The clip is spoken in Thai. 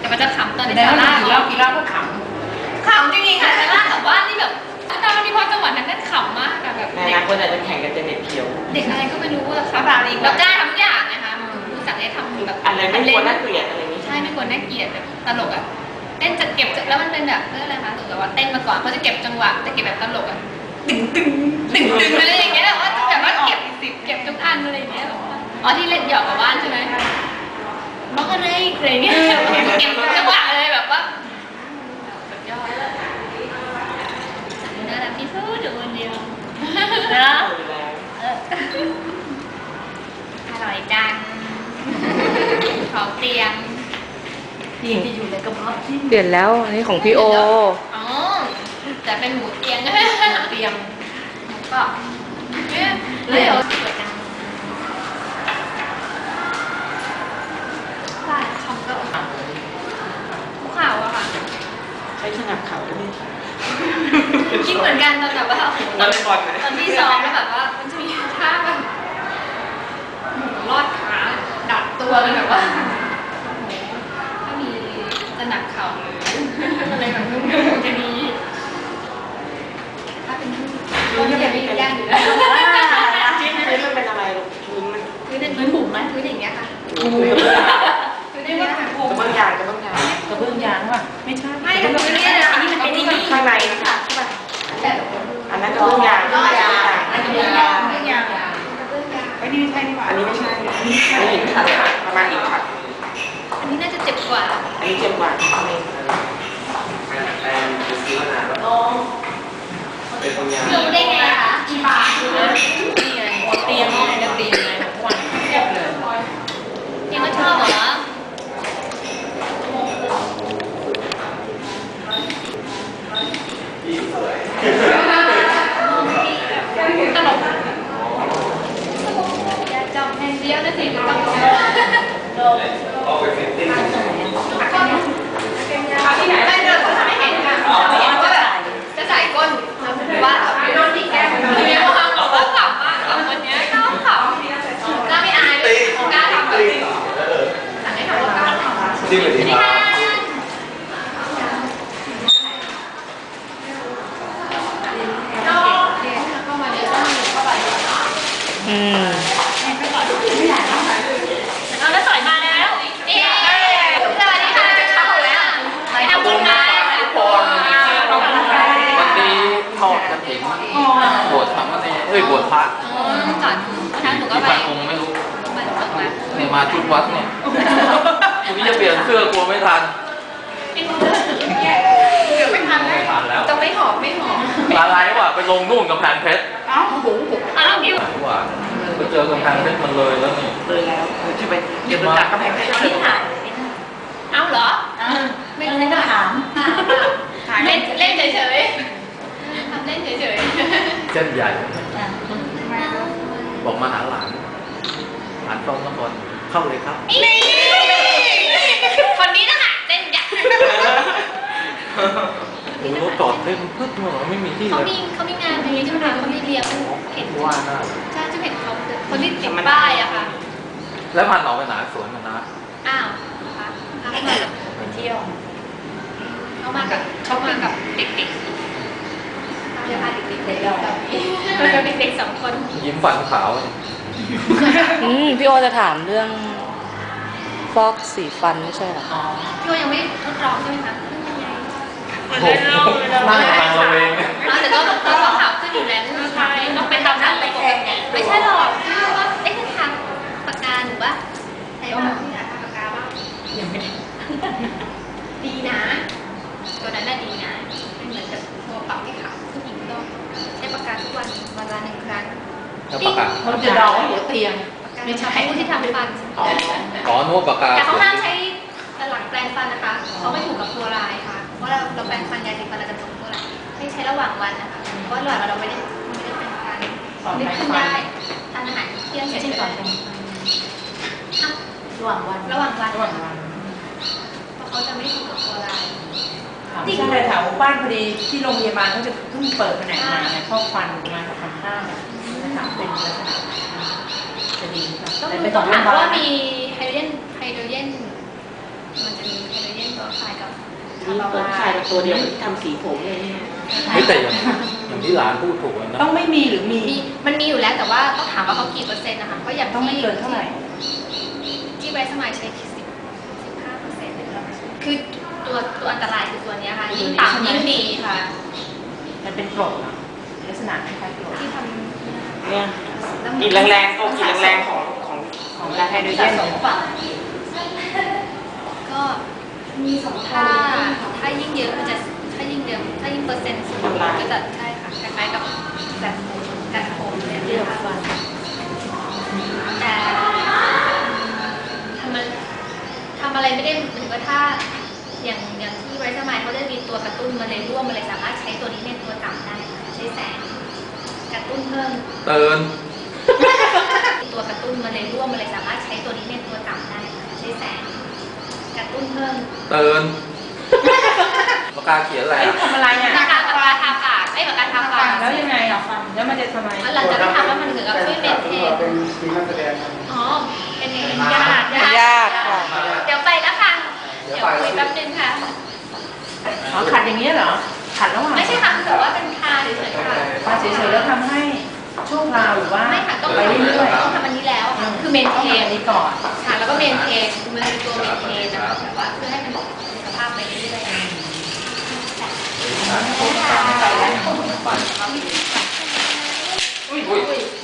แต่มันจะขำตอนในแต่ซาว่าร่ากินเหล้าก็ขขำจริงๆค่ะซาร่าแต่ว่านี่แบบตอนมันมีพอจังหวะนั้นนั่นขำมากอะแบบในอนาคตอาจจะแข่งกันจะเน็ตเขียวเด็กอะไรก็ไม่รู้อะค่ะเรากล้าทำทุกอย่างนะคะรู้สั่งให้ทำแบบอะไรไม่ควรน่าเกลียดอะไรนี้ใช่ไม่ควรน่าเกลียดแบบตลกอะเต้นจะเก็บแล้วมันเป็นแบบเรื่องอะไรคะแบบว่าเต้นมาก่อนเขาจะเก็บจังหวะจะเก็บแบบตลกอะดึงอะไรอย่างเงี้ยแบบว่าเก็บทุกอันอะไรอย่างเงี้ยอ๋อที่เล่นหยอกกับบ้านใช่ไหมน้องอะไรอะไรเงี้ยเก็บจังหวะเลยแบบว่าสุดยอดน่ารักที่สุดอยู่คนเดียวนะอร่อยจังของเตียงำที่อยู่ในกระเพาะที่เปลี่ยนแล้วอันนี้ของพี่โออ๋อแต่เป็นหมูเตียงเตรียมก็เนี่ยเลยเหรอสวยจังใช่คำก็ภูเขาอะค่ะใช้สนับเข่าด้วยคิดเหมือนกันตอนแบบว่าวอลเลย์บอลนะตอนที่ซ้อมแล้วแบบว่ามันจะมีท่าแบบหมูรอดขาดัดตัวกันแบบว่าถ้ามีจะหนักเข่าเลยอะไรแบบนู้นจะดีถ้าเป็นก็จะเป็นย่างอยู่แล้วจิ้มพื้นมันเป็นอะไรลูกพื้นมันคือเป็นพื้นบุ๋มไหมพื้นอย่างเงี้ยค่ะพื้นพื้นอย่างเงี้ยค่ะกระเบื้องยางกระเบื้องยางกระเบื้องยางว่ะไม่ใช่ไม่กับพื้นเนี่ยนะอันนี้มันเป็นนี่ข้างในนะคะใช่ป่ะอันนั้นกระเบื้องยางกระเบื้องยางอันนี้ยางไม่ยางไอ้นี่ใช่นี่หว่าอันนี้ไม่ใช่อันนี้หินขัดประมาณหินขัดอันนี้น่าจะเจ็บกว่าอันนี้เจ็บกว่ารู้ได้ไงคะกี่บาทนี่ไงเตรียมไงจะเตรียมไงทุกวันเทียบเลยยังไม่ชอบเหรอตลกอยากจับแมนเดียวนะสิต้องที่ไหนได้เดินก็ทำให้เห็นค่ะว่าแบบจะใส่ก้นหรือว่าโดนตีแก้มมีความบอกว่าขำมากกับคนนี้ชอบขำกล้าไม่อายเลยกล้าทำแบบสั่งให้ทำว่ากล้าทำจริงหรือจริงครับเข้ามาเดี๋ยวต้องเข้าไปอืมเอาแล้วสอยมาแล้วเอ๊สวัสดีค่ะจะเข้าแล้วไปทำบุญมาทุกคนวันนี้ทอดกระถิ่นบวชสามเณรบวชพระก่อนทางหนูก็กี่ไปพันองค์ไม่รู้มาหนูก็มาเนี่ยมาชุดวัดเนี่ยวันนี้จะเปลี่ยนเสื้อกลัวไม่ทันเดี๋ยวไม่ทันไม่ทันแล้วจะไม่หอมไม่หอมอะไรวะไปลงนู่นกำแพงเพชรเอ้าโอ้โหอ้าวพี่ว่าไปเจอกำแพงเพชรมันเลยแล้วนี่เลยแล้วจะไปเดี๋ยวจับกระแพงเพชรที่ถ่ายเอาเหรอไม่ไม่ได้ถามเล่นเล่นเฉยๆทำเล่นเฉยเส้นใหญ่บอกมาหาหลานหลานต้องก่อนเข้าเลยครับๆนี่คนนี้นะคะเล่นใหญ่โอ้โหรถจอดเต็มพึ่งหัวไม่มีที่เขาเลยมีงานนี้ใช่ไหมเขามีเลี้ยงเห็นว่าน่าใช่จะเห็นเขาคนที่ติดป้ายอะค่ะแล้วพันออกไปไหนสวนมันนะอ้าวนะคะเขามากับไปเที่ยวเขามากับเด็กๆเขาจะพาเด็กๆเด็กๆเด็กๆ2 คนยิ้มฟันขาวพี่โอจะถามเรื่องฟอกสีฟันไม่ใช่เหรออ๋อพี่ว่ายังไม่ทดลองใช่ไหมคะโอ้โหนั่งกำลังระเวงแต่ก็ต้องข่าวขึ้นอยู่แล้วใช่ต้องไปทำหน้าไปแข่งไม่ใช่หรอกพี่ว่าเอ๊ะทางปากกาหรือว่าใช่ป่ะที่ทางปากกาว่ายังไม่ได้ดีนะตัวนั้นน่ะดีนะเป็นเหมือนกับตัวปรับให้ขาวผู้หญิงต้องใช้ปากกาทุกวันวันละ1 ครั้งแล้วปากกาเขาจะดองหัวเตียงไม่ใช่ผู้ที่ทำฟันอ๋อนวดปากกาแต่เขาห้ามใช้หลังแปรงฟันนะคะเขาไม่ถูกกับฟลูออไรด์ค่ะเพราะเราแปรงฟันยาสีฟันเราจะถูกฟลูออไรด์ให้ใช้ระหว่างวันนะคะเพราะระหว่างวันเราไม่ได้แปรงฟันนึกขึ้นได้ทานอาหารเที่ยงเสร็จที่เลยก่อนเป็นระหว่างวันระหว่างวันระหว่างวันเพราะเขาจะไม่ถูกกับฟลูออไรด์จริงเลยแถวบ้านพอดีที่โรงพยาบาลเขาจะเพิ่งเปิดแผนกมาเนี่ยข้อฟันมากับฟันข้างเนี่ยถามเป็นลักษณะจะดีค่ะต้องแต่ดูไปต้ต่ออง โรถาง มพยาบาว่าลมีไฮโดรเจนมันจะมีไฮโดรเจนขายกับนี่เปิดขายกับตัวเดียวที่ทำสีผมเลยเนี่ยเฮ้ยแต่อย่างที่หลานพูดถูกนะต้องไม่มีหรือมีมันมีอยู่แล้วแต่ว่าต้องถามว่าเขากี่เปอร์เซ็นต์นะคะเพราะอย่างต้องไม่เกินเท่าไหร่ที่ไบรท์สมายใช้15%เลยคือตัวอันตรายคือตัวเนี้ยค่ะยิ่งต่ำยิ่งดีค่ะมันเป็นกรดเหรอลักษณะคล้ายๆกรดที่ทเนี่ยำกลิ่นแรงๆกลิ่นแรงๆของลาไฮโดรเจสะนสมกว่าก็ถ้ายิ่งเยอะมันจะถ้ายิ่งเยอะถ้ายิ่งเปอร์เซ็นต์สูงก็จะใช่ค่ะคล้ายๆกับแบบการโหมเนี่ยนะคะแต่ทำอะไรไม่ได้เหมือนกับถ้าอย่างที่ไวท์สมายเขาจะมีตัวกระตุ้นมาเลยร่วมมาเลยสามารถใช้ตัวนี้เป็นตัวกำได้ค่ะใช้แสงกระตุ้นเพิ่มเตือนตัวกระตุ้นมาเลยร่วมมาเลยสามารถใช้ตัวนี้เป็นตัวกำได้ค่ะใช้แสงกระตุ้นเพิ่มเตือนปากกาเขียนอะไรไอ้อ่ะทำอะไรอ่ะปากกาทาปากไอ้ปากกาทาปากแล้วยังไงอ่ะแล้วมันจะทำไมหลังจากที่ทำแล้วมันเหมือนกับช่วยเมนเทนเป็นทีมนักแสดงครับอ๋อเป็นญาติญาติค่ะเดี๋ยวไปแล้วค่ะเดี๋ยวคุยแป๊บนึงค่ะอ๋อขัดอย่างนี้ยเหรอขัดระหว่างไม่ใช่ค่ะคือแบบว่าเป็นทาเฉยๆค่ะมาเฉยๆแล้วทำให้ชั่วคราวหรือว่าไม่ค่ะต้องไปเรื่อยๆต้องทำอันนี้แล้วค่ะคือเมนต้องเททำนอันนี้ก่อนค่ะแล้วก็เมนเทนมันเป็นตัวเมนเทนนะคะแบบว่าเพื่อให้มันมีสภาพไปเรื่อยๆไปแล้วอุ้ย